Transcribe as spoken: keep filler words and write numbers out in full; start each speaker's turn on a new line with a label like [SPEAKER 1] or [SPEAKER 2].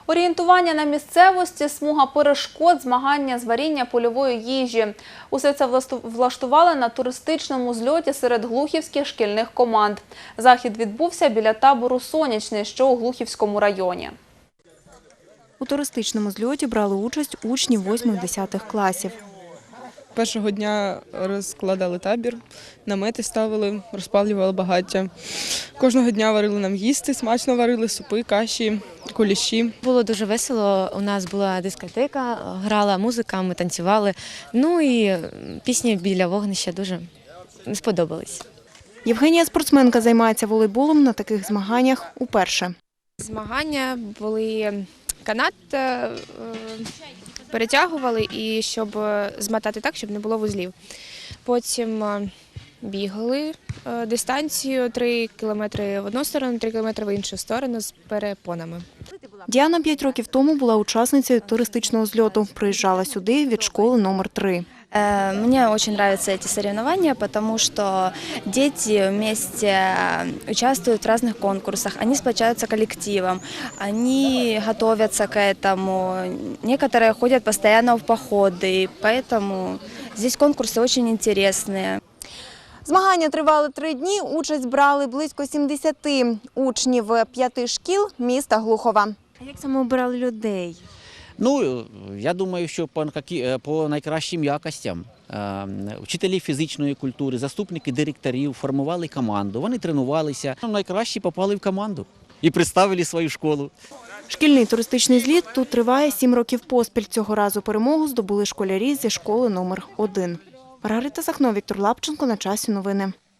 [SPEAKER 1] Орієнтування на місцевості, смуга перешкод, змагання з варіння польової їжі. Усе це влаштували на туристичному зльоті серед глухівських шкільних команд. Захід відбувся біля табору «Сонячний», що у Глухівському районі.
[SPEAKER 2] У туристичному зльоті брали участь учні восьмих-десятих класів.
[SPEAKER 3] Першого дня розкладали табір, намети ставили, розпалювали багаття. Кожного дня варили нам їсти, смачно варили супи, каші, куліші.
[SPEAKER 4] Було дуже весело, у нас була дискотека, грала музика, ми танцювали. Ну і пісні біля вогнища дуже сподобались.
[SPEAKER 2] Євгенія, спортсменка, займається волейболом на таких змаганнях уперше.
[SPEAKER 5] Змагання були канат, перетягували, і щоб змотати так, щоб не було вузлів. Потім бігали дистанцію три кілометри в одну сторону, три кілометри в іншу сторону з перепонами.
[SPEAKER 2] Діана п'ять років тому була учасницею туристичного зльоту. Приїжджала сюди від школи номер три.
[SPEAKER 6] Мне очень нравятся эти соревнования, потому что дети вместе участвуют в разных конкурсах, они сплочаются коллективом, они готовятся к этому, некоторые ходят постоянно в походы, поэтому здесь конкурсы очень интересные.
[SPEAKER 2] Змагання тривали три дні, участь брали близько сімдесяти учнів п'яти шкіл міста Глухова. А як саме обирали людей?
[SPEAKER 7] Ну, я думаю, що по, по найкращим якостям вчителі фізичної культури, заступники директорів формували команду, вони тренувалися. Найкращі попали в команду і представили свою школу.
[SPEAKER 2] Шкільний туристичний зліт тут триває сім років поспіль. Цього разу перемогу здобули школярі зі школи номер один. Маргарита Сахно, Віктор Лапченко. На часі новини.